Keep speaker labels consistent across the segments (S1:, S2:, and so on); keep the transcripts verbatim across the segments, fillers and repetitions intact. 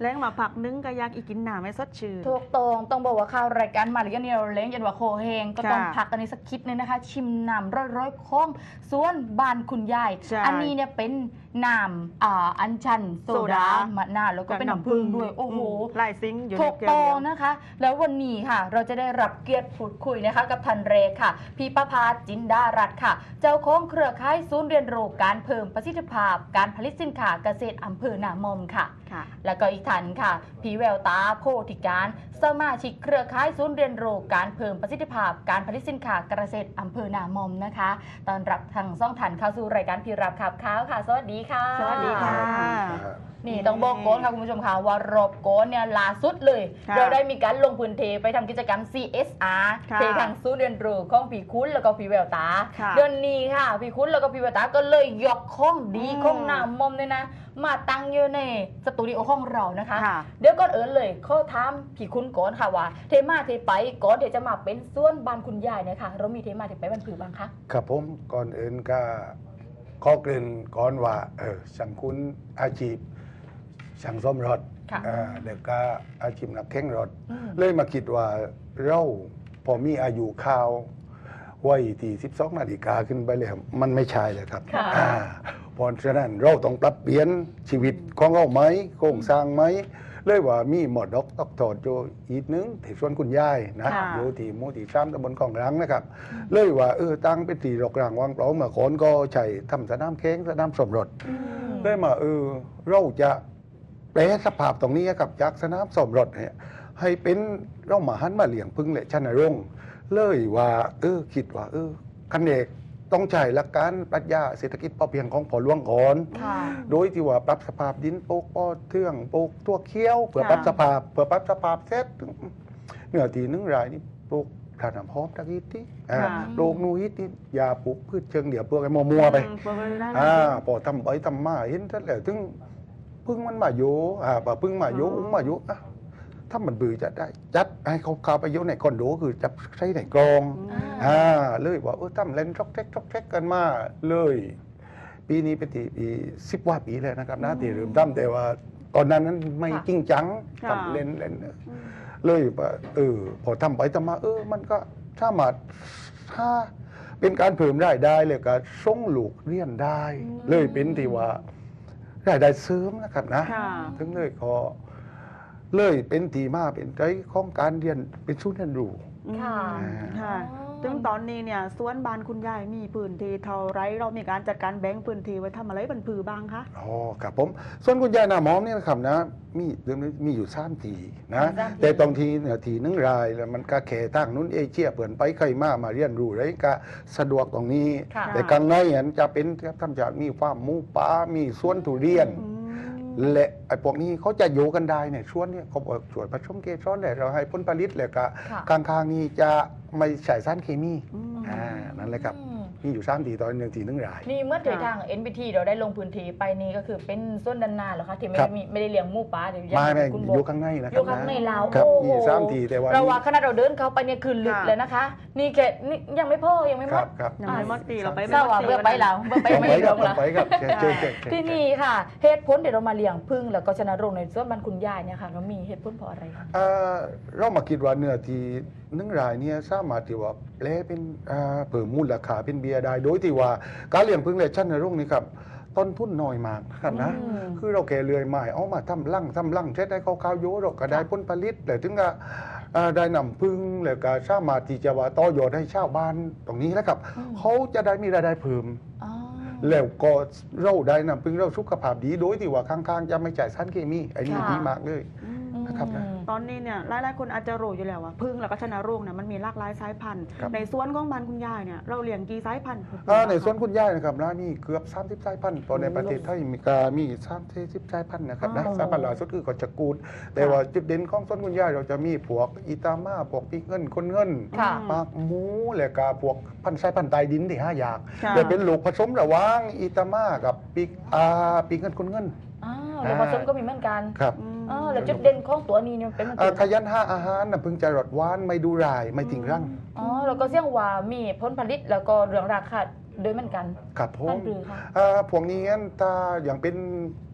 S1: แล้งมาผักนึงก็อยากอีกินหนาไม่สดชื่น
S2: ถูกตรงต้องบอกว่าข้าวรายการมาหรือยังเนี่ยเราเล้งยันว่าโคเฮงก็ต้องพักกันในสักคิดนึงนะคะชิมน้ำร้อยร้อยๆค้งส่วนบ้านคุณยายอันนี้เนี่ยเป็นน้ำอ่าอัญชันโซดามะนาวแล้วก็เป็นน้ำผึ้งด้วยโอ้โห
S1: ลายซิงอยู่ใน
S2: ถูก
S1: เกลียว
S2: ต้องนะคะ แล้ววันนี้ค่ะเราจะได้รับเกียรติพูดคุยนะคะกับทันเรค่ะพี่ประภาจินดารัตน์ค่ะเจ้าของเครือข่ายศูนย์เรียนรู้การเพิ่มประสิทธิภาพการผลิตสินค้าเกษตรอำเภอนามอมค่ะแล้วก็อีกท่านค่ะพี่แววตาโพธิการสมาชิกเครือข่ายศูนย์เรียนรู้การเพิ่มประสิทธิภาพการผลิตสินค้าเกษตรอำเภอนามอมนะคะตอนรับทางซ่องทันเข้าสู่รายการพี่รับขับข้าวค่ะสวัสดีค่ะ
S1: สวัสดีค่ะ
S2: นี่ต้องบอกโกนค่ะคุณผู้ชมค่ะว่ารอบโกนเนี่ยล่าสุดเลยเราได้มีการลงพื้นที่ไปทำกิจกรรม ซี เอส อาร์ ที่ทางศูนย์เรียนรู้ของพี่คุ้นแล้วก็พี่แววตาเดือนนี้ค่ะพี่คุ้นแล้วก็พี่แววตาก็เลยยกข้องดีข้องนามอมเลยนะมาตั้งอยู่ในสตูดิโอของเรานะคะเดี๋ยวก่อนเอิญเลยข้อถามพี่คุ้นก่อนค่ะว่าเทมาเทไปก่อนเดี๋ยวจะมาเป็นส่วนบ้านคุณยายเนี่ยค่ะเรามีเทมาเทไปบ้านผือบ้างคะ
S3: ครับผมก่อนอื่นก็ข้อเกริ่นก่อนว่าเออสังคุณอาชีพช่างซ่อมรถเด็กก็อาชีพนักแข่งรถเลยมาคิดว่าเราพอมีอายุข่าวไว้ที่สิบสองนาฬิกาขึ้นไปเลยมันไม่ใช่เลยครับเพราะฉะนั้นเราต้องปรับเปลี่ยนชีวิตของเราไหมโครงสร้างไหมเลยว่ามีหมอดอกตอกถอดโจอีกนึงที่ส่วนคุณยายนะอยู่ที่มูที่ซ้ำตำบลของรังนะครับเลยว่าเออตั้งเป็นตีรกรางวางเปล่าเมื่อก่อนก็ใช้ทำสนามแข่งสนามสมรสเลยมาเออเราจะแปลสภาพตรงนี้กับจากสนามสมรสเนี่ยให้เป็นเรามาหันมาเลี้ยงพึ่งและชนรงค์เลยว่าเออคิดว่าเออคันเอกต้องใช้หลักการปรัชญาเศรษฐกิจพอเพียงของพ่อหลวงก่อนโดยที่ว่าปรับสภาพดินปลูกอ้อเทื่องปลูกตัวเคี้ยวเพื่อปรับสภาพเพื่อปรับสภาพเสร็จเนื้อที่นึงรายนี่ปลูกถ่านน้ำหอมตะกี้ที่ปลูกนูฮิตนี่ยาปลูกพืชเชิงเดี่ยวเปลือกไอ้มัวๆไปอ่าพอทำไปทำมาเห็นท่านแล้วถึงพึ่งมันมาโยอ่าพึ่งมาโยอุ้งมาโยอ่ะถ้ามันบือจะได้จัดให้เขาเข้าไปโยในคอนโดคือจับใช้ในกรองอ่าเลยว่าเออตั้มเล่นช็อกเท็กช็อกเท็กกันมาเลยปีนี้เป็นปีสิบว่าปีเลยนะครับนะที่เริ่มตั้มแต่ว่าตอนนั้นนั้นไม่จริงจังทำเล่นเล่นเลยว่าเออพอทำไปทำมาเออมันก็ถ้ามาถ้าเป็นการเพิ่มรายได้เลยก็ส่งลูกเรียนได้เลยเป็นที่ว่ารายได้เสริมนะครับนะถึงเลยก็เลยเป็นทีมาเป็นใจของการเรียนเป็นชุดเรียนรู้
S1: ค่ะค่ะถึงตอนนี้เนี่ยสวนบ้านคุณยายมีพื้นที่เท่าไรเรามีการจัดการแบ่งพื้นที่ไว้ทำอะไรบรรพือบ้างคะ
S3: อ๋อครับผมส่วนคุณยายนามอมเนี่ยนะครับนะมีเรื่องนี้มีอยู่สามทีนะแต่ตรงทีเนี่ยทีนึงรายแล้วมันก็แข่ตั้งนู้นเอเชียเปิดไปใครมามาเรียนรู้อะไรก็สะดวกตรงนี้แต่กลางในเนี่ยจะเป็นทำจากมีฟาร์มหมูป่ามีสวนทุเรียนและไอ้พวกนี้เขาจะอยู่กันได้เนี่ยช่วงนี้เขาบอกส่วนผสมเกสรแหละเราให้ผลผลิตเลยก็กลางๆนี้จะไม่ใส่สารเคมีอ่านั่นแหละครับมีอยู่สามทีตอนหนึ่งทีหนึ่งราย
S2: นี่เมื่อทาง เอ็น บี ที เราได้ลงพื้นที่ไปนี่ก็คือเป็นส่วนด้านหน้าเหรอคะที่ไม่ได้ไม่ได้เลี้ยงหมูป่าเดี๋ยว
S3: ยังไม่คุณอยู่ข้างในนะครับ
S2: อยู่ข้างในเรา
S3: ครับมีสามทีแต่ว่า
S2: เราว่าขณะเราเดินเข้าไปเนี่ยคือลึกเลยนะคะนี่แค่นี่ยังไม่พอยังไม่หมด
S1: ยังไม่หมดตีเราไป
S2: เศร้าอ่ะเพื่อไปเราเพื่อไปไม่ลงละที่นี่ค่ะเหตุผลเดี๋ยวเรามาเลี้ยงพึ่งแล้วก็ชนะรงในส่วนบ้านคุณยายเนี่ยค่ะเรามีเหตุผลเพราะอะไรคะ
S3: เรามาคิดว่าเนื้อที่นึ่งรายเนี่ยสามารถที่ว่าแปลเป็นเพิ่มมูลค่าเป็นเบียร์ได้โดยที่ว่าการเลี้ยงพึ่งและชั้นในโรงนี้ครับต้นทุนน้อยมากครับนะคือเราแก่เลื่อยไม้เอามาทำลั่งทำลั่งเช็ดได้ข้าวๆโยเราก็ได้ผลผลิตแต่ถึงก็ได้นำพึ่งแล้วก็สามารถที่จะว่าต่อยอดให้ชาวบ้านตรงนี้แล้วครับเขาจะได้มีรายได้เพิ่มแล้วก็เราได้นำพึ่งเราสุขภาพดีโดยที่ว่าข้างๆจะไม่จ่ายสารเคมีไอ้นี่ดีมากเลยนะครับนะ
S1: ตอนนี้เนี่ยหลายๆคนอาจจะรู้อยู่แล้วว่าพึ่งแล้วก็ชนะโรงเนี่ยมันมีหลากหลายสายพันธุ์ในสวนของบ้านคุณยายเนี่ยเราเลี้ยงกี่สายพันธุ์
S3: ในสวนคุณยายนะครับนะมีเกือบสามสิบสายพันธุ์ตอนในประเทศไทยมีกามีสามสิบสายพันธุ์นะครับนะสายพันธุ์ล่าสุดคือขจกูดแต่ว่าจุดเด่นของสวนคุณยายเราจะมีพวกอิตาม่าพวกปีเงินคนเงินปากหมูและก็พวกพันธุ์สายพันธุ์ใต้ดินที่ห้าอย่างจะเป็นลูกผสมระหว่างอิตาม่ากับปีอาปีเงินคนเงิน
S2: ลูกผสมก็มีเหมือนกัน
S3: ครับ
S2: อ๋อแล้วจุดเด่นของตัวนี้เนี่ยเป็น
S3: มันขยันหาอาหารนะพึงจะรสหวานไม่ดูรายไม่ทิ้งรัง
S2: อ๋อแล้วก็เสี่ยงว่ามีผลผลิตแล้วก็เรื่องราคาโดยเหมือนกัน
S3: ครับผม
S2: นั่นคือค่ะ
S3: พวกนี้งั้นถ้าอย่างเป็น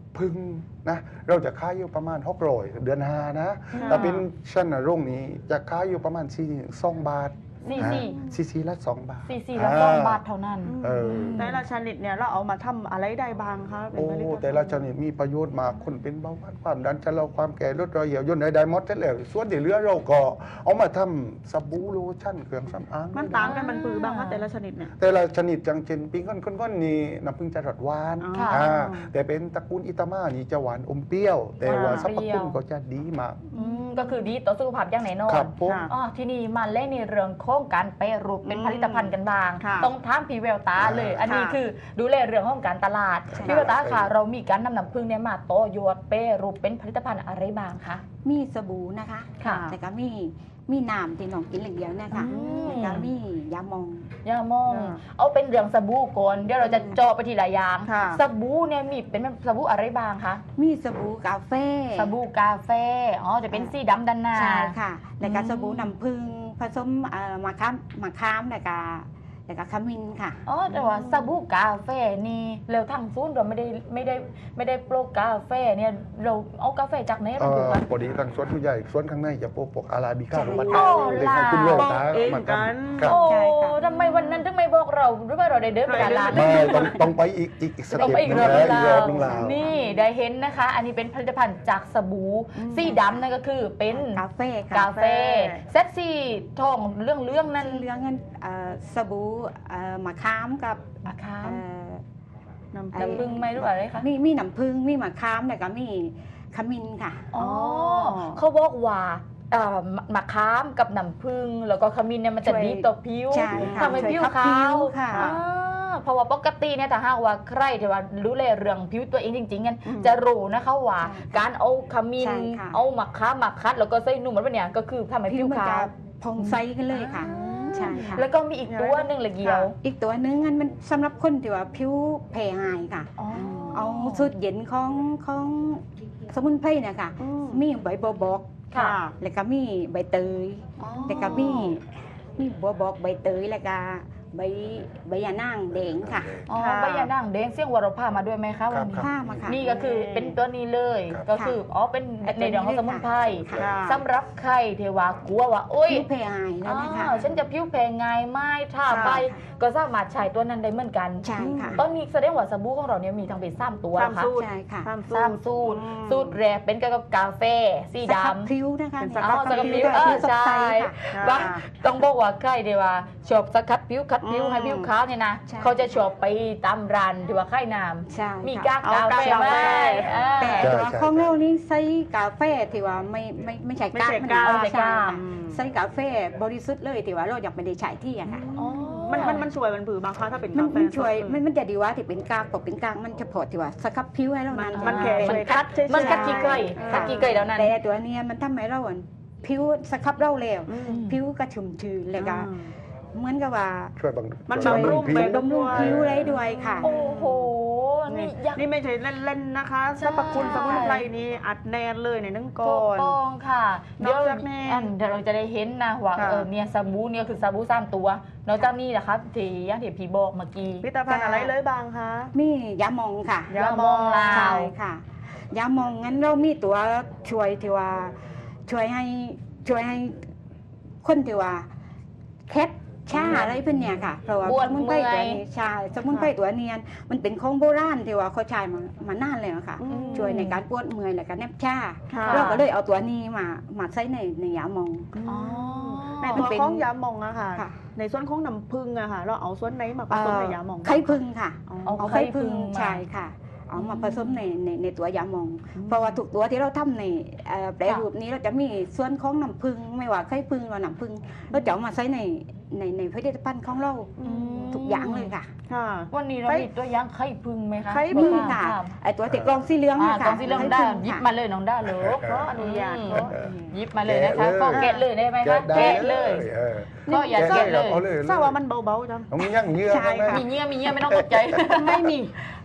S3: พึ่งนะเราจะขายอยู่ประมาณหกร้อยเดือนห้านะ
S1: ค่ะ
S3: แต่เป็นชั้นโรงนี้จะขายอยู่ประมาณสี่สองบาท
S2: สี่สี่
S3: ซีซีละสองบาท
S2: สี่สี่ละสองบาทเท่านั้น
S3: เออ
S1: แต่ละชนิดเนี่ยเราเอามาทำอะไรได้บ้างคะเป็น
S3: โอ้
S1: ผลิตภัณฑ์
S3: แต่ละชนิดมีประโยชน์มากคนเป็นเบาหวานความดันชะลอความแก่ลดรอยเหี่ยวย่นได้หมดแล้วส่วนที่เหลือเราก็เอามาทำสบู่โลชั่นเครื่องสำอาง
S1: มันต่างกันมันปือบางคะแต่ละชนิดเนี่ย
S3: แต่ละชนิดจังเช่นปิ้งก้อนก้อนๆนี่น้ำผึ้งจะรสหวาน
S1: อ๋อ
S2: ค่ะ
S3: อ่าแต่เป็นตระกูลอิตามานี่จะหวานอมเปรี้ยว แต่ว่า
S1: อ่า
S3: สรรพคุณก็จะดีมาก
S2: อืมก็คือดีต่อสุขภาพอย่างแน่นอน
S3: ครับผม
S1: ค่ะ
S2: อ๋อที่นี่มาเล่นในเรื่องของการแปรรูปเป็น
S1: อืม
S2: ผลิตภัณฑ์กันบ้าง
S1: ค่ะ
S2: ต้องถามพี่แววตาเลย อันนี้
S1: ค่ะ
S2: คือดูแลเรื่องของการตลาด
S3: ใช่
S2: พี่แววตาค่ะ เรามีการนำน้ำผึ้งเนี่ยมาต่อยอดแปรรูปเป็นผลิตภัณฑ์อะไรบ้างคะ
S4: มีสบู่นะคะ
S2: ค่ะ
S4: แล้วก็มีมีน้ำที่น้องกินเหลืองๆเนี่ยค่ะ
S2: อืม
S4: แล้วก็มียาหมอง
S2: ย่ามอง
S1: อ่า
S2: เอาเป็นเรื่องสบู่ก่อนเดี๋ยวเราจะเจาะไปทีละอย่าง
S1: ค่ะ
S2: สบู่เนี่ยมีเป็นสบู่อะไรบ้างคะ
S4: มีสบู่กาแฟ
S2: สบู่กาแฟอ๋อจะเป็นสีดำด้านหน้า
S4: ใช่ค่ะ แล้วก็
S2: อืม
S4: สบู่น้ำผึ้งผสมเอ่อมะขามมะขามแล้วก็แล้วก็ขมิ้นค่ะ
S2: อ๋อแต่ว่าสบู่กาแฟนี่เราทางซูนย์เราไม่ได้ไม่ได้ไม่ได้โปรกาแฟเนี่ยเราเอากาแฟจากไหน
S3: เอ่
S2: มาดู
S3: อ
S2: กัน
S3: พอดีทางสวนผู้ใหญ่สวนข้างในจะปลูกปลูกอาราบิก้า
S4: ใช่
S3: ลงมา
S2: โอ้
S3: เลยให้คุณ
S2: ล่ะ
S3: แววตา
S1: บอกเอง
S3: มา
S1: กัน
S3: ทำครับ
S2: โอ้
S4: ใช่ค่ะ
S2: ทำไมวันนั้นถึงไม่บอกเราหรือว่าเราได้เดินไปตลาด
S3: ไม่ต้องต้องไปอีกอีกอีกส
S2: ต้อง
S3: เต็ป
S2: ไป
S3: ห
S2: อีก
S3: นึง
S2: รอบ
S3: แล้ว
S2: นึง
S3: อีกร
S2: แล้
S3: อบ
S2: ว
S3: หนึงแล้ว
S2: นี่ได้เห็นนะคะ อันนี้เป็นผลิตภัณฑ์จากสบู่
S1: อืม
S2: สีดำนั่นก็คือเป็น
S4: กาแฟค่ะ
S2: กาแฟเซตสีทองเรื่องเรื่องๆนั้น
S4: สีเหลืองนั้นเอ่อสบู่เอ่อมะขามกับ
S2: อะคะ
S4: เอ่อ
S1: น้ำ
S4: ไอ้
S2: น้ำผึ้งไหมหรือเปล่าอะไรคะ
S4: มีมีน้ำผึ้งมีมะขามแล้วก็มีขมิ้นค่ะ
S2: อ๋อ
S1: อ๋อ
S2: เขาบอกว่าเอ่อมะขามกับน้ำผึ้งแล้วก็ขมิ้นเนี่ยมันจะ
S4: ช่วย
S2: ดีต่อผิว
S4: ใช่ค่ะ
S2: ทำให้
S4: ช่วย
S2: ผิว
S4: ขับ
S2: ขา
S4: ผิ
S2: ว
S4: วค่ะ
S2: อ่าเพราะว่าปกติเนี่ยถ้าหากว่าใครที่ว่ารู้แลเรื่องผิวตัวเองจริงๆกัน
S1: อืม
S2: จะรู้นะคะว่า
S4: ใช่
S2: การเอาขมิ้น
S4: ใช่ค่ะ
S2: เอามะขามมาคัด แล้วก็ใส่นุ่มมันเป็นอย่างก็คือทำให้
S4: ผิ
S2: ผิ
S4: ว
S2: ว
S4: มัน
S2: ขา
S4: จะ
S2: ว
S4: ผ่องใสกันเลยค่ะ ใช่ค่ะ
S2: แล้วก็มีอีกตัวหนึ่งละเกียว
S4: อีกตัวหนึงอันมันสำหรับคนที่ว่าผิวแพ้ง่ายค่ะ
S2: อ๋อ
S4: เอาสูตรเย็นของของสมุนไพรเนี่ยค่ะ
S1: อืม
S4: มีใบบัวบก
S2: ค่ะ
S4: แล้วก็มีใบเตย
S2: อ๋อ
S4: แล้วก็มีมีบัวบกใบเตยแล้วก็ใบใบยานางแดงค่ะ
S2: อ๋อ
S1: ค่ะ
S2: ใบยานั่งแดงเสี่ยงวรภามาด้วยไหมคะวันนี้
S4: ผ้ามาค่ะ
S2: นี่ก็คือเป็นตัวนี้เลย
S3: ครับ
S2: ก็คืออ๋อเป็นในเรื่องของสมุนไพร
S4: ค่ะ
S1: ค่ะ
S2: สำหรับใครเทวากลัวว่าโอ้ย
S4: ผิวแพ้ง่ายแล้วนะคะ
S2: อ้าวฉันจะผิวแพ้ง่ายไหมถ้า
S1: ค่ะ
S2: ไปก็สามารถใช้ตัวนั้นได้เหมือนกัน
S4: ใช่ค่ะ
S2: ตอนนี้แสดงว่าสบู่ของเราเนี่ยมีทั้งเป็นสามตัว
S1: สาม
S2: นะคะ
S1: สูตร
S4: ใช่ค่ะ
S1: สาม
S2: สามสูตร
S1: อืม
S2: สูตรแรกเป็นเกี่ยวกับกาแฟสี
S4: สครับ
S2: ดำ
S4: ผิวนะคะ
S1: เป็น
S4: เนี่ย
S1: สครับ
S2: อ๋อสครับผิว
S4: ด้วย
S2: เออ
S4: ผิวสดใส
S2: ใช่
S4: ค่ะ
S2: ว่าต้องบอกว่าใครเดียวว่าชอบสครับผิวคัดผิว
S1: อืม
S2: ให้ผิวขาวเนี่ยนะ
S4: ใช่
S2: เขาจะชอบไปตามร้านที่ว่าค่ายน้
S4: ใช่
S2: ำมี
S4: ค่ะ
S2: กากกาแฟ
S1: เอา
S2: ไหม
S1: กากกาแฟ
S2: อ่า
S4: แต่
S3: ใช่
S4: ตัว
S3: ใช่
S4: ของเรานี่ใส่กาแฟที่ว่าไม่ไม่ไม่ใช่
S1: ไม่
S4: กาก
S1: ใช่
S4: มัน
S1: กาก
S4: เอา
S2: ไม่ใช่
S4: ใช่
S2: กาก
S4: ค่ะใส่กาแฟบริสุทธิ์เลยที่ว่าเราอยากไม่ได้ใช้ที่อะค่ะ
S2: อ๋อ
S1: มันมันมันช่วยมันผือบางครั้งถ้าเป็น
S4: มัน
S1: กาแฟ
S4: มันช่วย
S1: สดๆ
S4: มันมันจะดีว่าที่เป็นกากตกเป็นกากมันเฉพาะที่ว่าสครับผิวให้เรานั้น
S1: มันแค่
S2: มัน
S1: ช่วย
S2: คัด
S1: เฉยๆ
S2: มันคัดกี่เกย
S1: อ่า
S2: คัดกี่เกยแล้วนั้น
S4: แต่ตัวเนี้ยมันทำให้เราอ่ะผิวสครับเราแล้ว
S1: อืม
S4: ผิวก็ชุ่มชื้นแล้วก็
S1: อืม
S4: เหมือนกับว่า
S3: ช่วยบาง
S1: มัน
S3: ช่วย
S1: บำรุง
S3: ผิว
S1: ไป
S4: บำรุงผิวได้ด้วยค่ะ
S2: โอ้โห
S1: นี่
S2: นี่ยักษ์
S1: นี่ไม่ใช่เล่นๆนะคะสรรพคุณสมุนไพรนี่อัดแน่นเลยในนึ่งก่
S2: ถู
S1: อก น
S2: ต้องค่ะ
S1: น
S2: เดี๋
S1: อย ก
S2: ว
S1: จากนี้
S2: อันเดี๋ยวเราจะได้เห็นนะว่า
S1: ค่ะ
S2: เออเนี่ยสบู่เนี่ยคือสบู่สามตัวนอกจากนี้นะคะที่อยังที่พี่บอกเมื่อกี้
S1: ผลิตภัณฑ์อะไรเลยบางคะ
S4: มียาหมองค่ะ
S1: ยาหม่องลาว
S4: ใช่ค่ะ ยาหมองงั้นเรามีตัวช่วยที่ว่าช่วยให้ช่วยให้คนที่ว่าแคทชาอะไรเป็นเนี่ยค่ะเพราะว่า
S2: ปวด
S4: สมุนไพร
S2: เมื่
S4: ตั
S2: อ
S4: วย นี้ใช่สมุนไพรตัวเนียนมันเป็นของโบราณที่ว่าเขาใช้มามานานแล้วค่ะ
S1: อืม
S4: ช่วยในการปวดเมื่อยและการแนบชา
S1: ค่ะ
S4: เราก็เลยเอาตัวนี้มามาใช้ในในยาหมอง
S2: อ๋อ
S1: ในตัว
S4: มันเป็น
S1: ของยาหมองอะค่ะ
S4: ค่ะ
S1: ในส่วนของน้ำผึ้งอะค่ะ เราเอาส่วนไหนมาผสมในยาหมอง
S4: ไข่พึ่งค่ะ
S1: อ๋อ
S2: เอา
S4: เอา
S2: ไข่
S4: ไข่
S2: พึ่
S4: พึ่
S2: ง
S4: ง
S2: มา
S4: ใช่ค่ะ เอามาผสมในในในตัวยาหมอง
S1: อืม
S4: เพราะว่าทุกตัวที่เราทำในเอ่อแปรรูปนี้เราจะมีส่วนของน้ำผึ้งไม่ว่าไข่ผึ้งหรือน้ำผึ้งเราจะเอามาใช้ในในในผลิตภัณฑ์ของเรา
S1: อืม
S4: ทุกอย่างเลยค่ะ
S1: ค่ะ
S2: วันนี้เรา
S1: ไข่
S2: มีตัวอย่างไข่พึ่งไหมคะ
S1: ไข่
S4: มี
S1: พึ่ง
S4: ค่ะ
S2: รับ
S4: ไอตัวติดกรองสีเหลือง
S2: อ่า
S4: เนี่ยค่ะ
S2: กองสีเหลืองได้
S4: ไข่ผึ้
S2: หยิบ
S4: ค่ะ
S2: มาเลยน้องด้าเลย
S1: ขออนุญาต
S2: อืม
S1: ขอ
S2: หยิบมาเลยนะคะก็แกะเลยได้ไหมคะ
S3: ได้
S2: แกะเลย
S3: เออ
S2: ก็อย่า
S3: แกะ
S2: แกะ
S3: เล
S2: เลย ย
S3: เอาเลย
S1: ทราบว่ามันเบาๆจัง
S3: ต้องยั่งเยือก
S4: ใช่ค่ะ
S3: ไหม
S2: มีเงี้ยมีเงี้ยไม่ต้องตกใจ
S4: ไม่มี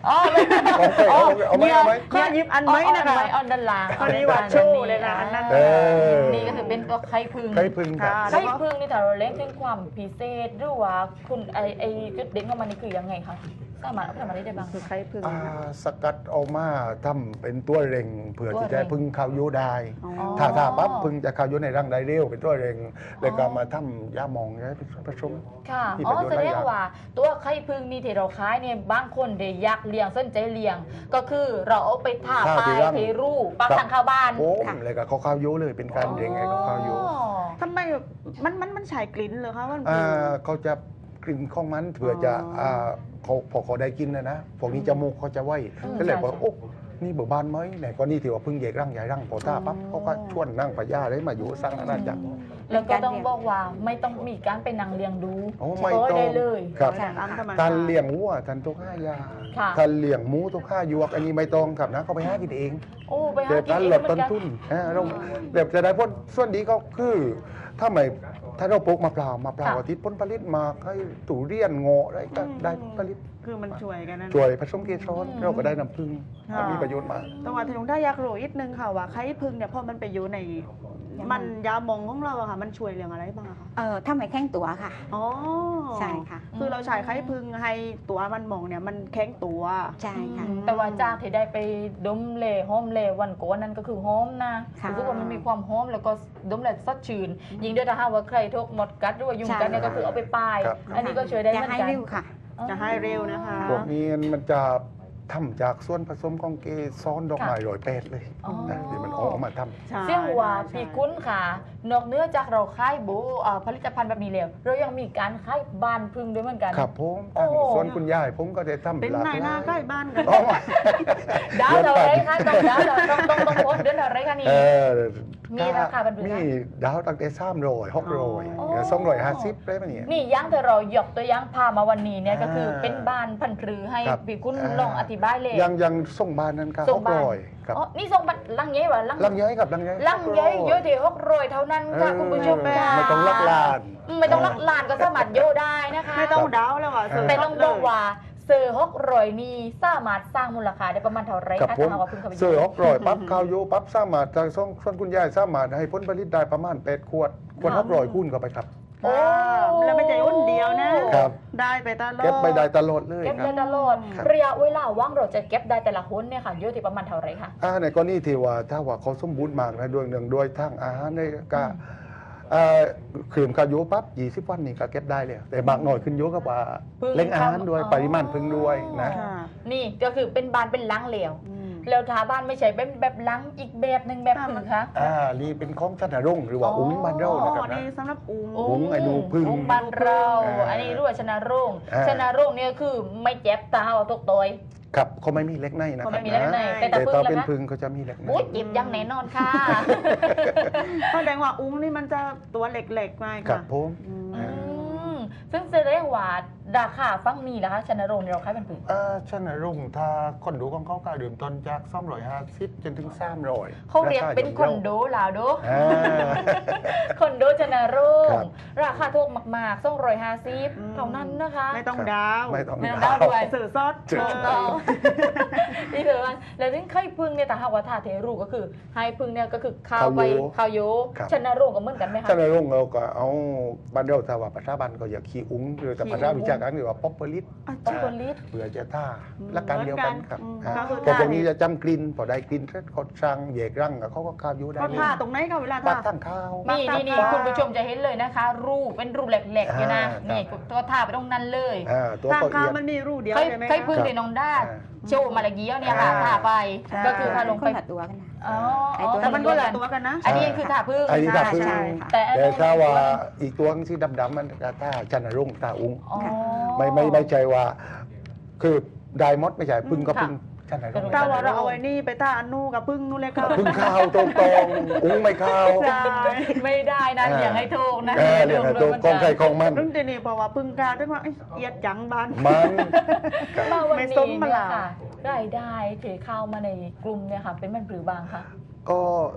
S2: อ๋อไม่
S3: ของใครเอาเอาไหมเอาไหม
S1: ข้อยิบอันไหมนะคะ
S2: ออนด้านล่าง
S1: อันนี้ว่าโชว์เลยนะอันนั้น
S3: เออ
S2: นี่ก็คือเป็นตัวไข่พึ่ง
S3: ใครพึ่งครับ
S1: ค่ะ
S2: ไข่พึ่งนี่ถ้าเราเล่นถึงความพิเศษหรือว่าคุณไอไอจุดเด่นของมันนี่คือยังไงคะสามารถเอาไปทำอะไรได้บ้าง
S1: คือไข่พึ่ง
S3: อ่าสกัดเอามาทำเป็นตัวเร่งเผื่อที่จะให้พึ่งเข้าอยุได้
S1: อ๋อ
S3: ถ้าถ้าปั๊บพึ่งจะเข้าอยุในร่างได้เร็วเป็นตัวเร่งแล้วก็มาทำยาหมองให้ผสม
S2: ค่ะ
S3: ที่
S2: อ๋อ
S3: ประโยชน์
S2: แส
S3: หลาย
S2: ด
S3: อง ย่าง
S2: ว่าตัวไข่พึ่งนี่ที่เราขายเนี่ยบางคนเดี๋ยวอยากเลี้ยงสนใจเลี้ยง ก็คือเราเอาไปทา
S3: ทา
S2: ป
S3: ที่
S2: ลาย
S3: ร่าง
S2: เทรูปักทางเข้าบ้าน
S3: โอ้มเลยก็เขาเข้าอยุเลยเป็นการเร่งให้เขาเข้าอยุ
S2: อ๋อ
S1: ทำไมมันมันมันฉายกลิ่นเหรอคะมัน
S3: อ่าเขาจะกลิ่นของมันเผื่อจะ
S1: อ๋ออ่
S3: าเขาพอเขาได้กินนะนะพวกนี้จมูกเขาจะไว้
S2: อืม
S3: ก็เลยบอก
S2: ใช่
S3: โอ้นี่เบิกบานไหมไหนก็นี่ถือว่าเพึ่งเยกร่างใหญ่ร่างพอท่าปั๊บ
S1: อ๋อ
S3: เขาก็ชวนนั่งพญาได้มาอยู่สร้างอาณาจักร
S2: แล้วก็ต้องบอกว่าไม่ต้องมีการไปนั่งเลี้ยงดู
S3: โอ้
S2: เฉ
S3: ไม่
S2: พาะ
S3: ต้อง
S2: ได้เลย
S3: ครับ
S1: แต่อันธรรมชา
S3: ท่าน
S1: ติ
S3: เลี้ยงวัวท่านต้องห้ายา
S2: ค่ะ
S3: ท่านเลี้ยงหมูต้องห้ายวกอันนี้ไม่ต้องครับนะเขาไปห้ากินเอง
S2: โอ้ไปหา
S3: เดี๋ยว
S2: กิน
S3: ท่าน
S2: เอง
S3: ลด
S2: เหมื
S3: ต้
S2: อน นกัน
S3: ทุนอ่าเราเดี๋ยวจะได้ผลส่วนดีก็คือถ้าไม่ถ้าเราปลูกมะพร้าวมะพร้าวอาทิตย์ผลผลิตมาให้ตุเรียนโงะอะไรก็ได้ผลผลิต
S1: คือมันช่วยกันนั่น
S3: ช่วยผสมเกสร
S2: อืม
S3: เราก็ได้น้ำผึ้ง
S1: ค่ะ
S3: มันมีประโยชน์มาก
S1: แต้องว่าที่ลุงได้อยากรู้อีกนึงค่ะว่าไข่พึ่งเนี่ยพอมันไปอยู่ใน
S4: ยาหม่อง
S1: มันยาหมองของเราอะค่ะ มันช่วยเรื่องอะไรบ้างอะคะ
S4: เออถ้าไม่แข้งตัวค่ะ
S1: อ๋อ
S4: ใช่ค่ะ
S1: คือเราใช้ไข่พึ่งให้ตัวมันหมองเนี่ยมันแข็งตัว
S4: ใช่ค่ะ
S2: แต่ว่าจากที่ได้ไปดมเล่หอมเล่วันโกนนั่นก็คือหอมนะ
S4: ค่ะ
S2: รู้สึกว่ามันมีความหอมแล้วก็ดมแล้วสดชื่นยิ่งด้วยถ้าหากว่าใครทุกหมดกัดหรือว่ายุงกัดเนี่ยก็คือเอาไปป้าย
S3: ครับ
S2: อันนี้ก็ช่วยได้เห
S4: จะ
S2: มือน
S4: ให้
S2: กัน
S4: ริ้วค่ะ
S1: จะให้เร็วนะคะ
S3: พวกนี้มันจะทำจากส่วนผสมของเกสรดอกไม้ลอยแปดเลย
S2: อ๋อ
S3: นะที่มันออกมาทำ
S1: ใช่
S2: เสี่ยงว่า
S1: ใช่
S2: พี่คุ้นค่ะ นอกเหนื้อจากเราขายบูเอ่อผลิตภัณฑ์แบบนี้แล้วเรายังมีการขายบานพึ่งด้วยเหมือนกัน
S3: ครับผม
S2: โอ้
S3: ทางส่วนคุณยายผมก็ได้ทำ
S1: เป็น
S3: หลาก
S1: นายหน้า
S3: หลาย
S1: ใกล้บ้านกัน
S3: อ๋อ
S2: ดาวเท่าไรคะต้องดาวเท่าต้องต้องต้องโพสต์เดือนเท่าไรคะนี่
S3: เออ
S2: มีราคาบันทึกไหม
S3: มีดาวตั้งแต่สามร้อยหกร้อย
S2: อ๋อ
S3: สองร้อยห้าสิบได้ไหมเนี่ย
S2: นี่ยังแต่เรายกตัวอย่างพามาวันนี้เนี่ยก็คือ
S3: อ่า
S2: เป็นบ้านพันธุ์รือให้
S3: ครับ
S2: พี่คุณ
S3: อ่า
S2: ลองอธิบายเลย
S3: ยังยังส่งบ้านนั้นครับ
S2: ส่
S3: ห
S2: ง
S3: ก
S2: บ้าน
S3: ร้อยครับ
S2: อ๋อนี่ส่งบัตรลังเย้วะลัง
S3: ลังย้อยกับลังย้อย
S2: ลังเย้เยอะที่หกร้อยเท่านั้นค่ะคุณผู้ชมค่ะ
S3: ไม่ต้องลักลาน
S2: ไม่ต้องลักลานก็สามารถโยได้นะคะ
S1: ไม่ต้องดาวแล้วอ่ะ
S3: เออ
S2: แต่ต้องบอกว่าเซอร์ฮกรอยนี่สามารถสร้างมูลค่าได้ประมาณเท่าไหร
S3: กับ
S2: คะ
S3: ผม
S2: ถ้าหากว่าเพิ่งเข้าไป
S3: เสือหกร้อยปั๊บข้าวโยปั๊บสามารถทางส่งส่วนคุณยายสามารถให้ผลผลิตได้ประมาณแปดขวดขวดหกร้อยคูณเข้าไปครับ
S2: โอ้
S1: แล้วไม่ใช่อ้นเดียวนะ
S3: ครับ
S1: ได้ไปตลอด
S3: เก็บไปได้ตลอดเลย
S2: เก็บ
S3: ครั
S2: ได้
S3: บ
S2: ตลอด
S3: ครับ
S2: ระยะเวลาว่างเราจะเก็บได้แต่ละคนเนี่ยค่ะเยอะที่ประมาณเท่าไหรคะ
S3: อ่าในกรณีที่ว่าถ้าว่าเขาสมบูรณ์มากนะด้วยหนึ่งด้วยทั้งอาหารในก็เอ่อขืนข้าวโยปั๊บยี่สิบวันนี่ก็เก็บได้เลยแต่บางหน่อยขึ้นโยกับว่า
S2: พึ่ง
S3: เล่งอาหารด้วย
S2: อ๋อ
S3: ปริมาณพึ่งด้วยนะ
S1: ค่ะ
S2: นี่ก็คือเป็นบานเป็นลังเหลว
S1: อืม
S2: แล้วทาบ้านไม่ใช่เป็นแบบลังอีกแบบหนึ่งแบบอื่นคะ
S3: อ่านี่เป็นของชันรุ่งหรือว่าอุ้งบ้านเรา
S1: อ๋
S3: นะครับ
S1: อ
S3: นะ
S1: นี่สำหรับอุ้ง
S3: อุ้งไอ้หนูพึ่ง
S2: อุ้งบ้านเรา
S3: อ่า
S2: อันนี้รู้ว่าชนะรุ่ง
S3: อ่า
S2: ชนะรุ่งเนี่ยคือไม่เจ็บตาเอาตกตัว
S3: ครับเขาไม่มีเล็กในนะค
S2: เขา
S3: รับ
S2: ไม่มีเล็กใน
S3: นะ
S2: แต่
S3: แต่
S2: ตา
S3: ถ้า
S2: พึ่ง
S3: เป็น
S2: แล้วนะ
S3: พึ่งเขาจะมีเล็กใน
S2: อุ้ยเจ็บอยังแน่นอนค่ะ
S1: แสดงว่าอุ้งนี่มันจะตัวเล็กๆมาก
S3: ครั
S1: ค่ะ
S3: บผม
S1: อืม
S2: อืมซึ่งแสดงว่าราคาฟังมีนะคะชนะรงค์เราขายเป็นปืน
S3: เอ่อชันรุ่งถ้าคนดูของเขาก็เริ่มต้นจากสองร้อยห้าสิบจนถึงสามร้อย
S2: เขาเรียกเป็นคอนโดลาวโด
S3: อ่า
S2: คอนโดชนะรุ่ง
S3: ครับ
S2: ราคาถูกมากๆสองร้อยห้าสิบ
S1: อืม
S2: เท่านั้นนะคะ
S1: ไม่ต้องดาว
S3: ไม่ต้อง
S2: ไม่ต้อง
S3: ดา
S2: ดาว วด้วย
S1: สื่อซอส
S3: สื่อ
S2: ถูกต้องนี่ถือว่าแล้วถึงไข่พึ่งเนี่ยแต่หากว่าทาเทรูก็คือไข่พึ่งเนี่ยก็คือข้าวไปข้าวโย
S3: ครับ
S2: ชนะรุ่งก็เหมือนกันไหมคะ
S3: ชันรุ่งเราก็เอาบ้านเราถ้าว่าประชาบันก็อย่าขี้อุ้งหรือแต่ประชาวิชาการหรือว่าป๊อปเปอร์ลิส
S2: ป๊อปเปอร์ลิส
S3: เผื่อจะท่า
S1: อืม
S3: หลักการเดียวกันครับ
S1: อืม
S3: อ่า
S1: ก็คือ
S3: แต่พวก
S1: ท่า
S3: นี้
S1: นี้
S3: จะจำกลิ่นพอได้กลิ่นเสร็จเขาสั่งแยกรังกับเขาก็ข้าวอยูได้
S1: เขา
S3: เลย
S1: ท่าตรงไหนเขาเวลา
S3: ปั
S1: ท่า
S3: ดทั้งข้าว
S2: นี่นี่นี่คุณผู้ชมจะเห็นเลยนะคะ รูปเป็นรูปแหลกๆอยู่นะ
S3: อ่าครับ
S2: นี่ตัวทาไปตรงนั้นเลย
S3: อ่าตัว
S1: ทาง
S3: เขา
S1: ข้า
S3: เอี
S1: วย
S3: ด
S1: มันมีรูเดียว
S2: ไข่
S1: ใช่ไหม
S2: ไข่
S1: คะ
S2: พึ่งในน้องด้า
S3: อ่า
S2: โชว์มาละเกี้ยวเนี่ยค่ะ
S3: อ่า
S2: ทาไป
S1: ใช่
S2: ก็คือทาลง
S4: ค
S2: ไป
S4: นละตัวกันนะ
S2: อ๋อ
S4: ไอ้ตัว
S1: แต่มันก็หลายตัวกันนะ
S2: อันนี้คือทาพึ่ง
S3: อันนี้ทาพึ่ง
S1: ใช่
S4: ค่ะ
S2: แต่อัน
S3: แต่
S2: นู้น
S3: ถ้าว่าอีกตัวที่ดำๆมันก็ท่าชันรุ่งท่าอุ้ง
S2: อ๋อ
S3: ไม่ไม่ไม่ใจว่า คือไดมอดไม่ใช่พึ่งก็
S2: ค่ะ
S3: พึ่งชันรุ่ง
S1: ถ้าว่าเราเอาไอ้นี่ไปท่าอันนู่กับพึ่งนู่นเลยค่ะ
S3: พึ่งข้าวตรงตรงๆอุ้งไม่ข้าว
S1: ใช่
S2: ไม่ได้นะ
S3: อ่า
S2: อย่างให้ถูกนะ
S3: เออเรียกไงตัวกองไก่กองมัน
S1: ซึ่งทีนี้เพราะว่าพึ่งกาด้วยว่าเอ้ยเอียดจังบาน
S3: มัน
S2: มาวัน
S1: ไม่
S2: นี้
S1: ส้มมา
S2: เนี่ย
S1: ลา
S2: ค่ะรายได้เทเข้ามาในกลุ่มเนี่ยค่ะ เป็นมันหรือบางคะ
S3: ก็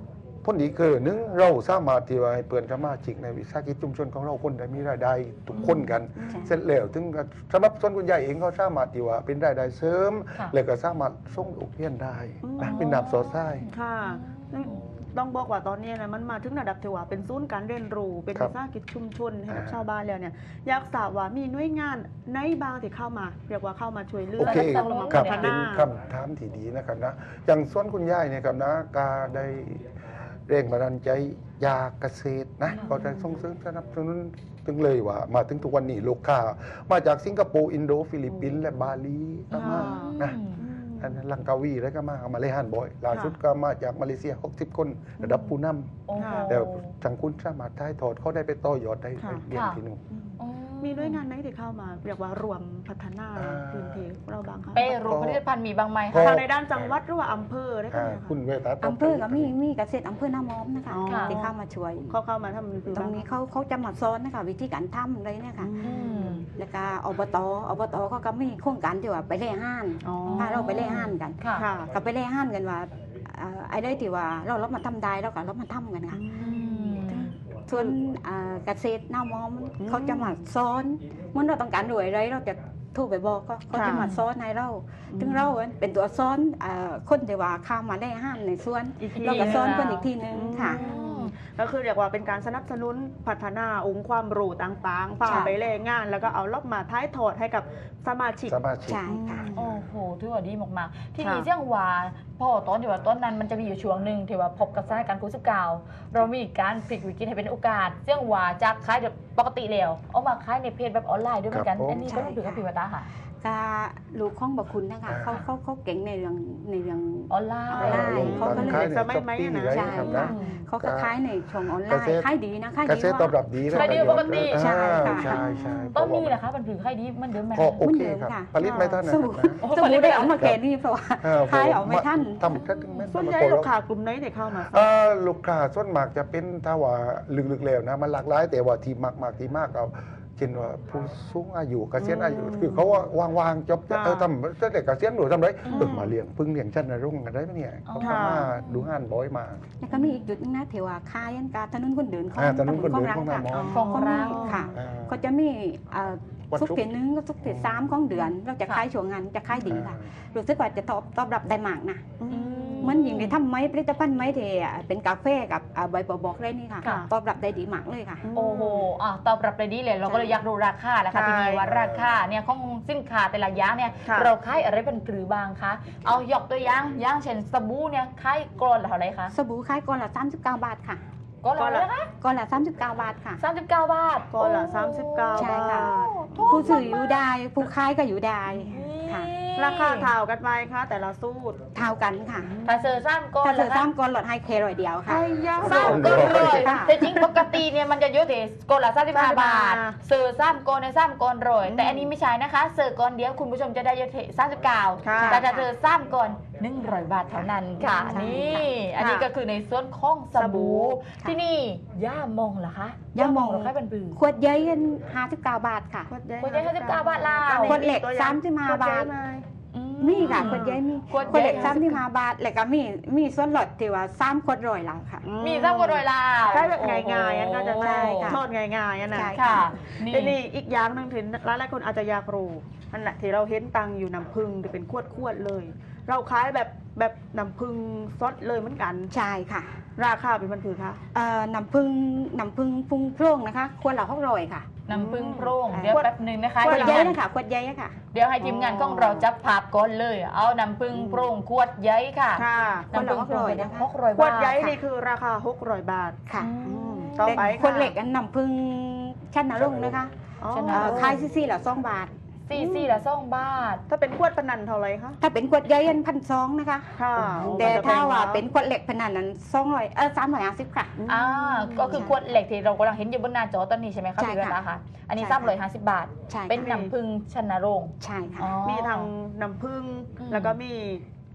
S3: ผลดีคือหนึ่งเราสามารถที่ว่าให้เปิดสมาชิกในวิสาหกิจชุมชนของเราคนได้มีรายได้ทุกคนกัน
S4: ใช่
S3: เสร็จแล้วถึงสำหรับส่วนคุณยายเองก็สามารถที่ว่าเป็นรายได้เสริม
S2: ค่ะ
S3: แล้วก็สามารถส่งลูกเรียนได้นะเป็นดับโซไซ
S1: ค่ะต้องบอกว่าตอนนี้นะมันมาถึงระดับที่ว่าเป็นศูนย์การเรียนรู้เป็น
S3: ครับ
S1: วิสาหกิจชุมชนให้กับ
S3: อ่า
S1: ชาวบ้านแล้วเนี่ยอยากทราบว่ามีหน่วยงานไหนบ้างที่เข้ามาเรียกว่าเข้ามาช่วยเหลื
S3: โอ
S1: อ
S3: เค
S1: และเข้ามา
S3: ครับ
S1: พัฒ
S3: เป็น
S1: นา
S3: คำถามที่ดีนะครับนะอย่างส่วนคุณยายเนี่ยครับนะกาได้เร่งบันดาลใจยาเกษตรนะก็ได้ส่งเสริมสนับสนุนถึงเลยว่ามาถึงทุกวันนี้ลูกค้ามาจากสิงคโปร์อินโดฟิลิปปินส์และบาหลีก็มานะ
S2: อืม
S3: อันนั้นลังกาวีแล้วก็มาเอามาเลฮันบ่อยล่าสุดก็มาจากมาเลเซียหกสิบคนระดับผู้น
S2: โอ้โห
S3: ำแล้วทางคุณสามารถถ่ายทอดเขาได้ไปต่อยอดได้
S1: ค่ะ
S3: ไปเรียนที่นู่น
S2: อ๋อ
S1: มีหน่วยงานไหนที่เข้ามาเรียกว่ารวมพัฒนา
S3: อ่า
S1: พื้นที่เราบ้างคะ
S2: เป้รู้ผลิตภัณฑ์มีบางไหม
S3: ก็
S2: คะ
S1: ทางในด้านจังหวัดหรือว่าอำเภอได้ไหม
S3: อ่า
S1: คะ
S3: คุณเวตาตบ
S4: อำเภอก็มีมีเกษตรอำเภอหน้ามอมนะคะ
S1: อ๋อ
S4: ที่เข้ามาช่วย
S1: เขาเข้ามาทำคือ
S4: ตรงนี้เขาเขาจะมาสอนนะคะวิธีการทำเลยเนี่ยค่ะ
S1: อืม
S4: แล้วก็อบตอบตเขาก็มีโครงการที่ว่าไปเล่ห้าน
S1: อ๋อ
S4: พาเราไปเล่ห้านกัน
S2: ค่ะ
S1: ค่ะ
S4: ก็ไปเล่ห้านกันว่าเอ่อไอ้ได้ที่ว่าเราเรามาทำได้เราก็เรามาทำกันค่ะ
S2: อืม
S4: ส่วนเอ่อเกษตรหน้ามอม
S1: อืม
S4: เขาจะมาสอนเมื่อเราต้องการรวยอะไรเราจะโทรไปบอกก็เขาจะ
S1: ค่ะ
S4: มาสอนให้เราถึงเราเป็นตัวสอนเอ่อคนที่ว่าเข้ามาได้ห้านในส่วน
S1: อีกที
S4: เราก็สอน
S1: หนึ่ง
S4: คนอีกทีหนึงค่ะ
S1: อืมก็คือเรียกว่าเป็นการสนับสนุนพัฒนาองค์ความรู้ต่างๆพา
S4: ใช่
S1: ไปแรงงาน แล้วก็เอาลอบมาท้ายถอดให้กับสมาชิก
S3: สมาชิก
S4: ใช่ค่ะ
S2: โอ้โหถือว่าดีมากๆ ที่
S1: ค่ะ
S2: นี่เสี่ยงว่าพ่อตอนที่ว่าต้นนั้นมันจะมีอยู่ช่วงหนึ่งที่ว่าพบกับสถานการณ์โควิดสิบเก้าเรามีการพลิกวิกฤตให้เป็นโอกาสเสี่ยงว่าจากขายแบบปกติแล้วเอามาขายในเพจแบบออนไลน์ด้วยเหมือนกัน
S3: ครับผม
S2: อันนี้ก็ต้องถือกับพี่วตาค่ะ
S4: ก็ลูกของบคุณนะคะ
S3: อ่า
S4: เขาเขาเขาเก่งในเรื่องในเรื่อง
S2: ออนไล
S4: ออนไลน์
S2: น์
S4: เขาก็เลย
S3: ขายใน
S1: สมัย
S3: ช้อป
S1: ใหม่
S3: ปี้
S1: อะนะ
S3: อะไร
S4: ใช่
S3: ครับนะ
S4: เขาก็ขายในช่องออนไล
S3: เกษ
S4: น์
S3: ตร
S4: ขายดีนะขาย
S3: เก
S4: ดี
S3: ษตรตอบรับดีนะ
S2: ขายดีปกติ
S3: อ่า
S4: ใช่ค่ะ
S3: ใช่ใช่
S2: ต้นนี้นะคะมันถือใครดีมันเดิมไหม
S3: ก็
S2: คะ
S3: โอเคครับผลิตไม่ทันนะ
S4: สู้
S3: ครับนะ
S2: โอ้
S4: สมุนได้เอามาแก่นี่เพราะว่า
S3: เออ
S4: ขายออกไม่ทัน
S3: ทำแค่ถึงแม้
S1: ส่วนใหญ่ลูกค้ากลุ่มไหนที่เข้ามา
S3: เออลูกค้าส่วนมากจะเป็นถ้าว่าลึกๆแล้วนะมันหลากหลายแต่ว่าที่มากๆที่มากเอาเช่นว่าผู้สูงอายุเกษียณอายุคือเขาว่าวางๆจบ
S1: ค่ะ
S3: เออทำตั้งแต่เกษียณหรือทำไร
S1: อืม
S3: เออมาเลี้ยงพึ่งเลี้ยงชั้นนรุ่งกันได้ไหมเนี่ยเขา
S1: ค่ะ
S3: ทำมาดูงานบ่อยมาก
S4: แล้วก็มีอีกจุดหนึงนะที่ว่าขายอันกาถนนคนเดินของ
S3: อ่าถนนคนเดิน
S4: รั
S3: ของหน้ามอ
S2: ของ
S4: เขา
S2: เรา
S4: มีค่ะ
S3: อ่า
S4: ก็จะมีเอ่อ
S3: วัน
S4: ทุก
S3: ศุกร์
S4: เดือนนึงก็ทุกเดือนสามของเดือน เราจะขายช่วงงานจะขายดีค่ะรู้สึกว่าจะตอบตอบรับได้มากนะ
S1: อืม
S4: เหมือนอย่างที่ทำไม้ผลิตภัณฑ์ไม้ที่เป็นกาแฟกับอ่าใบบัวบอกเลยนี่ค่ะ
S2: ค่ะ
S4: ตอบรับได้ดีมากเลยค่ะ
S2: โอ้โหอ่ะตอบรับเลยดีเลยเราก็เลยอยากรู้ราคาแหละค่ะ
S1: ใช่
S2: ทีนี้ว่าราคาเนี่ยของสินค้าแต่ละอย่างเนี่ย
S1: ค่ะ
S2: เราขายอะไรเป็นหรือบางคะเอายกตัวอย่างอย่างเช่นสบู่เนี่ยขายกรอนละเท่าไหร่คะ
S4: สบู่ขายก้อนละสามสิบเก้าบาทค่ะ
S2: กรอนละเท่าไหร่คะ
S4: ก้อนละสามสิบเก้าบาทค่ะ
S2: สามสิบเก้าบาท
S1: ก้อนละ
S2: โ
S1: สามสิบเก้า
S4: ใช่ค่ะ
S2: ถูก
S4: ผู้ซื้ออยู่ได้ผู้ขายก็อยู่ได้ค่ะ
S1: ราคาเท่ากันไหมคะแต่ละสูตร
S4: เท่ากันค่ะ
S2: ถ้าเซอร์ซ้ำก้อน
S4: ถ้าเธอ
S2: ละ
S4: สามก้อนลดให้เคร้อยเดียวค่ะ
S1: ไอ้ยา
S2: ซ้ำก้อนเลย
S4: ค่ะ
S2: แต่จริงปกติเนี่ยมันจะเยอะถึงก้อนละสามสิบห้าบาท
S1: อ่า
S2: เซอร์ซ้ำก้อนในซ้ำก้อนรอยแต่อันนี้ไม่ใช่นะคะเซอร์ก้อนเดียวคุณผู้ชมจะได้เยอะถึงสามสิบเก้า
S1: ค่ะ
S2: แต่ถ้าเธอซ้ำก้อนหนึ่งร้อยบาทเท่านั้นค่ะ
S4: ใช่
S2: นี่
S1: ค่ะ
S2: อันนี้ก็คือในส่วนของส
S1: สบู่
S2: บู่
S4: ค่ะ
S2: ที่นี่ย่ามองเหรอคะ
S4: ย่ามอง
S2: เหรอคะเป็นบือ
S4: ขวดใหญ่ห้าสิบเก้าบาทค่ะ
S1: ขวดใหญ่
S2: ขวดใหญ่ห้าสิบเก้าบาทลาว
S4: ขวดเหล็กสามสิบห้าบาท
S2: อื
S4: มีค่ะขวดใหญ่มี
S2: ขวด
S4: ขวดเหล็ก
S2: ใหญ่
S4: สามสิบห้าบาทแล้วก็มีมีส่วนลดที่ว่าสามขวดร้อยแล้วค่ะ
S2: มีซ้ำก้อนรอยลาว
S1: ใช้แบบง่ายๆอันก็จะ
S4: ใช่ค่ะ
S1: โทษง่ายๆอันนะ
S4: ใช่
S2: ค่ะ
S1: ทีนี้อีกอย่างหนึงถึงหลายๆคนอาจจะอยากรู้นั่นแหละที่เราเห็นตังอยู่น้ำผึ้งที่เป็นขวดๆเลย เราขายแบบแบบน้ำผึ้งซดเลยเหมือนกัน
S4: ใช่ค่ะ
S1: ราคาเป็นมันคือคะ
S4: เอ่อน้ำผึ้งน้ำผึ้งพุงโพร่งนะคะขวดละหกร้อยค่ะ
S2: น้ำผึ้งโพร่ง
S4: อืม
S2: เดี๋ยวแป๊บหนึ่งนะคะ
S4: ขวด
S2: ทีม
S4: ใหญ่
S2: งาน
S4: นะคะขวดใหญ่ค่ะ
S2: เดี๋ยวให้ทีมงานของเราจับภาพก่อนเลย เอาน้ำผึ้งโพร่งขวดใหญ่ค่ะ
S1: ค่ะ
S2: น้ำผึ้งโพร่ง
S4: ขวดละหกร้อยนะคะ
S2: หกร้อย
S1: ขว
S2: บา
S1: ด
S2: ท
S1: ใหญ่นี่คือราคาหกร้อยบาท
S4: ค่ะ
S2: อืม
S1: ต่อไป
S4: ขวดเหล็กอันน้ำผึ้งชั้นนรงค์นะคะ
S1: อ๋อ
S2: ชนะ
S4: เอ่อขายซี่ๆละสองบาท
S2: สี่สี่ละสองบาท
S1: ถ้าเป็นขวดปนันเท่าไหรคะ
S4: ถ้าเป็นขวดใหญ่อันพันสองนะคะ
S1: ค่ะ
S4: แต่ถ้าว่าเป็นขวดเหล็กพนันนั้นสองร้อยเออสามร้อยห้าสิบค่ะ
S2: อ่า ก็คือขวดเหล็กที่เรากำลังเห็นอยู่บนหน้าจอตอนนี้ใช่ไหมคะ
S4: ใช่
S2: พี่เว
S4: ค่ะ
S2: ลาคะอันนี้
S4: ใช่
S2: สาม
S4: ค่ะ
S2: ร้อยห้าสิบบาท
S4: ใช่ค่ะ
S2: เป็นน้ำผึ้งชนโรง
S4: ใช่ค่ะ
S2: อ๋อ
S1: มีทางน้ำผึ้ง
S2: อืม
S1: แล้วก็มี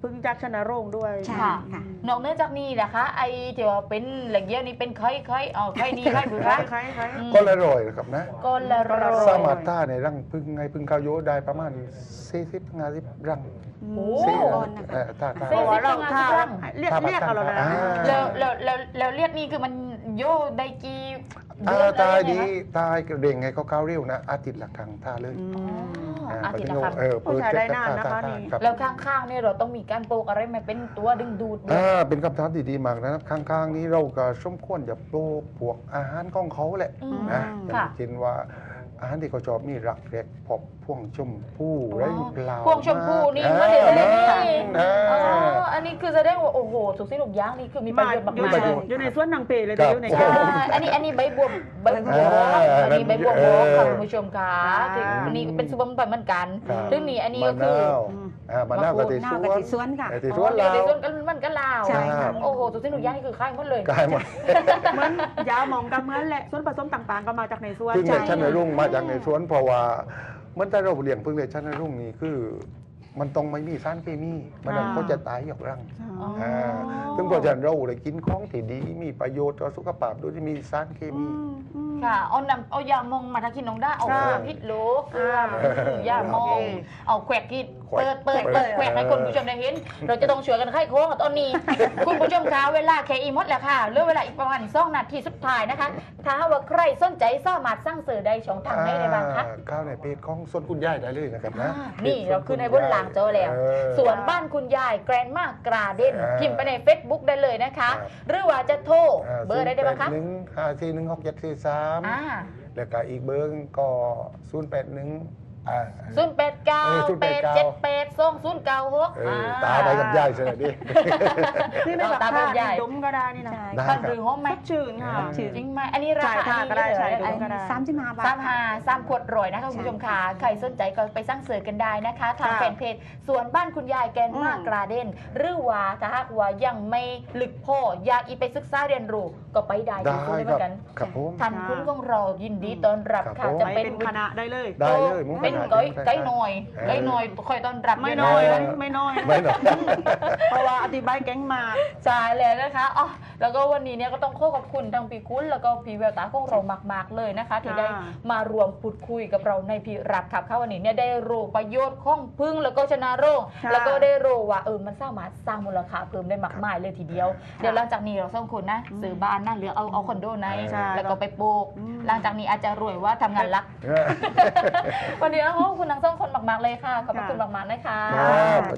S1: พึ่งจากชนะโรงด้วย
S4: ใช่
S2: ค่ะ
S4: ค่ะ
S2: นอกเหนือจากนี้นะคะไอที่ว่าเป็นแหล่งเยี่ยวนี่เป็นไข้ไข้อ๋อไข้ดีไข้บุ
S1: คล้า
S2: ระ
S1: ยคล้ายคล้าย
S2: อืม
S3: ก็ละร้อยนะครับนะ
S2: ก็ละ
S1: ก็ละร้
S2: ร้
S1: อ
S3: สาย มารถท่าในรังพึ่งไงพึ่งข้าวโยได้ประมาณสี่สิบห้าสิบรัง
S2: โอ้
S3: สี่
S4: ก้อนนะคะ
S3: เอ่อท่าท่า
S1: เพราะว่าเรา
S2: สี่สิบ
S1: ถ้า
S2: รัง
S1: เรียก
S3: ถ้า
S1: เรียกเอาเรานะ
S3: อ่า
S2: แล้วแล้วแล้วแล้วเรียกนี่คือมันโยได้กี่
S3: อ่า
S2: เดือน
S3: ตาย
S2: อะไร
S3: ดี
S2: ยังไงคะ
S3: ตายเร่งไงเขาก้าวเร็วนะ อาทิตย์ละครั้งท่าเลย
S1: อื
S2: อ๋อ
S1: ม
S2: อา
S3: อ่า
S2: ทิตย์
S3: ป
S2: ละครั้ง
S3: เออ
S1: โอ้ใช้ได้นานนะคะ
S3: ท่
S1: นี่
S3: ครับ
S2: แล้วข้างๆเนี่ยเราต้องมีการปลูกอะไรไหมเป็นตัวดึงดูดด้วย
S3: อ่าเป็นคำถามที่ดีมากนะครับข้างๆนี้เราก็สมควรจะปลูกพวกอาหารของเขาแหละ
S2: อืม
S3: นะอ
S2: ค่ะ
S3: ย่างเช่นว่าอาหารที่เขาชอบมีรักแรกพบพ่วงชมพู่ไรเปล่า
S2: พวงชมพู่นี่
S3: อ่า
S2: มาเดี๋ยวเลย
S3: นะ
S2: นี่
S3: อ่า
S2: อ๋ออันนี้คือแสดงว่าโอ้โหสุกสิหนุกย่างนี่คือมีประโยชน์
S1: อ
S2: มาก
S1: ยู่
S2: ๆ
S1: ใน
S3: ประโยชน์
S1: อยู่ในสวนนางเปเลย
S3: ครับ
S1: อยู่ใน
S2: ใช่อันนี้อันนี้ใบบัวใบบัว
S3: อ่า
S2: อันนี้ใบบัว
S3: เออ
S2: ค่ะคุณผู้ชมค่ะ
S1: อ่า
S2: ถึงอันนี้เป็นซุปเปอร์มันเหมือนกัน
S3: ครับ
S2: ซึ่งนี่อันนี้
S3: มะ
S2: ก็คือ
S3: นาวอ่ามะนาวกะทิ
S4: หน้า
S3: ส
S4: กะ
S3: วน
S4: ทิสวนค่ะ
S3: กะทิส
S2: อ๋
S3: ว
S2: อน เดี๋ยว
S3: เรา
S2: เดี๋ยวส่วนกันมันกันลาว
S4: ใช่ค่ะ
S2: โอ้โหสุกสิหนุกย่างนี่คือค่ายหมดเลย
S3: กายหมด
S1: เหมือนยาหมองกับเหมือนแหละส่วนผสมต่างๆ ก็มาจากในสวน
S3: พึ่งใน
S1: ใช่
S3: ชั้นในรุ่งมาจากในสวนเพราะว่าเหมื่อนแต่เราเลี้ยงพึ่งในชั้นในรุ่งนี่คือ มันต้องไม่มีสารเคมีมันนั้นเขาจะตายหยอกรัง
S1: อ๋อ
S3: อ่าซึ่งเพราะฉะนั้นเราเลยกินของที่ดีมีประโยชน์ต่อสุขภาพโดยที่มีสารเค
S1: อื
S3: มี
S1: มอืม
S2: ค่ะเอานำเอายามองมาทากินน้องด้าเอา
S1: ค่ะ
S2: พิษโลเกลือ
S1: อ่า
S2: ยามอง
S1: โอเค
S2: เอาแขวกกิน
S3: แขวก
S2: เปิดเปิดเปิด
S3: แข
S2: แข
S3: ว
S2: ว
S3: ก
S2: กให้คุณผู้ชมได้เห็น เราจะต้องช่วยกันไข้โค้งกับตอนนี้ คุณผู้ชมคะเวลาแค่อีมดแล้วค่ะเหลือเวลาอีกประมาณสองนาทีสุดท้ายนะคะ ถ้าว่าใครสนใจสามารถสร้างสื่อได้ช่องทางไหนได้บ้างคะ
S3: อ่าเข้าในเพจของส่วนคุณย่ายได้เลยนะครับนะ
S2: อ่านี่เราขึ้นในบนหลังจอแล้ว
S3: เออ
S2: ส่วนบ้านคุณยายแกรนมากกราเดน
S3: อ่า
S2: พิมพ์ไปใน Facebook ได้เลยนะคะ
S3: ครับ
S2: หรือว่าจะโทรเบอร์ได้ได้บ้างคะ
S3: หนึ่งห้าสี่หนึ่งหกเจ็ดสี่สาม
S2: อ่า
S3: แล้วก็อีกเบอร์ก็ศูนย์แปดหนึ่งอ่า
S2: ศูนย์แปดเก้า
S3: เออศูนย์
S2: แป
S3: แป
S2: ด
S3: ดเก้า
S2: เจ็ดแปดสองศูนย์เก้าหก
S3: เออตาไปกับย่ายเสยดิ
S1: นี่ในแบบ
S2: ตาม
S1: ผ้า
S2: ใหญ่
S1: ดมก็ได้นี่นะ
S4: ใช่
S3: ได้
S2: ท่านหรือห้องไหม
S1: สดชื่นค่ะ
S3: ชื่น
S2: จริงไหมอันนี้รา
S1: ใช่
S2: คา
S1: ค่ะ
S2: อันนี้
S1: ก็ได้
S2: เลย
S1: ใช่
S2: เหรอ
S1: ก็ได้
S4: สามสิบห้าบาท
S2: สามหาสามขวดรอยนะคะคุณผู้ชมค่ะใครสนใจก็ไปสร้างเสิร์ชกันได้นะคะ ทาง
S1: ค่ะ
S2: แฟนเพจส่วนบ้านคุณยายแกนมาก
S1: อืม
S2: กราเดนหรือว่าถ้าหากว่ายังไม่ลึกพออยากอีไปศึกษาเรียนรู้ก็ไปได้
S3: ได้
S2: ที่ศูนย์เห
S3: ค
S2: มื
S3: รั
S2: อบ นกัน
S3: ครับผม
S2: ทันคุณของเรายินดีต้อนรับ
S3: ครั
S2: ค่ะ
S3: บผม
S2: จะ
S1: ไป
S2: เป็น
S1: เป็นคณะได้เลย
S3: ได้เลยมุ้ง
S2: เป็น
S3: ขนาด
S2: ไก่
S3: นี้
S2: ไก่หน่อย
S3: เออ
S2: ไก่หน่อยคอยต้อนรับ
S1: ไม่น้อย
S3: เออ
S1: ไม่น้อย
S3: ไม่หรอก
S1: เพราะว่าอธิบายแก๊งมาก
S2: ใช่เลยนะคะอ๋อแล้วก็วันนี้เนี่ยก็ต้องขอขอบคุณทางพี่คุณแล้วก็พี่แววตาของเรามากๆเลยนะคะ ที่ได้มารวมพูดคุยกับเราในพี่รับขับเข้าวันนี้เนี่ยได้รู้ประโยชน์ของพึ่งแล้วก็ชนะโรค
S1: ค่ะ
S2: แล้วก็ได้รู้ว่าเออมันสามารถสร้างมูลค่าเพิ่มได้มากมายเลยทีเดียว เดี๋ยวหลังจากนี้เราสองคนนะซื้อบ้านนะหรือเอาเอาคอนโดใน
S1: ใช่
S2: แล้วก็ไปปลูก
S1: อืม
S2: หลังจากนี้อาจจะรวยว่าทำงานรัก วันนี้ต้องขอบคุณทั้งสองคนมากๆเลยค่ะขอบพระคุณมากๆนะคะ
S3: ครับ